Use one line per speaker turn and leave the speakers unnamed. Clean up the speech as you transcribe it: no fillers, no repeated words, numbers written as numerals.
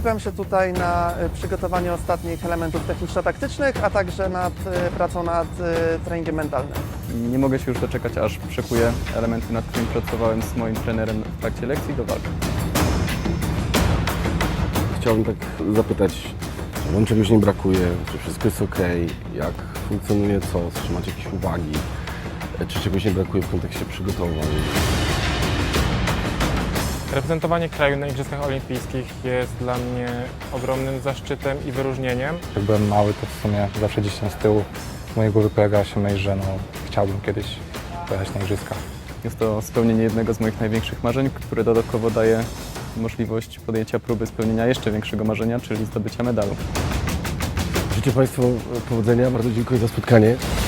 Skupiam się tutaj na przygotowaniu ostatnich elementów techniczno-taktycznych, a także nad pracą nad treningiem mentalnym.
Nie mogę się już doczekać, aż przekuję elementy, nad którymi pracowałem z moim trenerem w trakcie lekcji do walk.
Chciałbym tak zapytać, czy wam czegoś nie brakuje, czy wszystko jest ok, jak funkcjonuje COS, czy macie jakieś uwagi, czy czegoś nie brakuje w kontekście przygotowań.
Reprezentowanie kraju na Igrzyskach Olimpijskich jest dla mnie ogromnym zaszczytem i wyróżnieniem.
Jak byłem mały, to w sumie zawsze gdzieś tam z tyłu w mojej głowie pojawiała się myśl, że chciałbym kiedyś pojechać na Igrzyska.
Jest to spełnienie jednego z moich największych marzeń, które dodatkowo daje możliwość podjęcia próby spełnienia jeszcze większego marzenia, czyli zdobycia medalu.
Życzę Państwu powodzenia, bardzo dziękuję za spotkanie.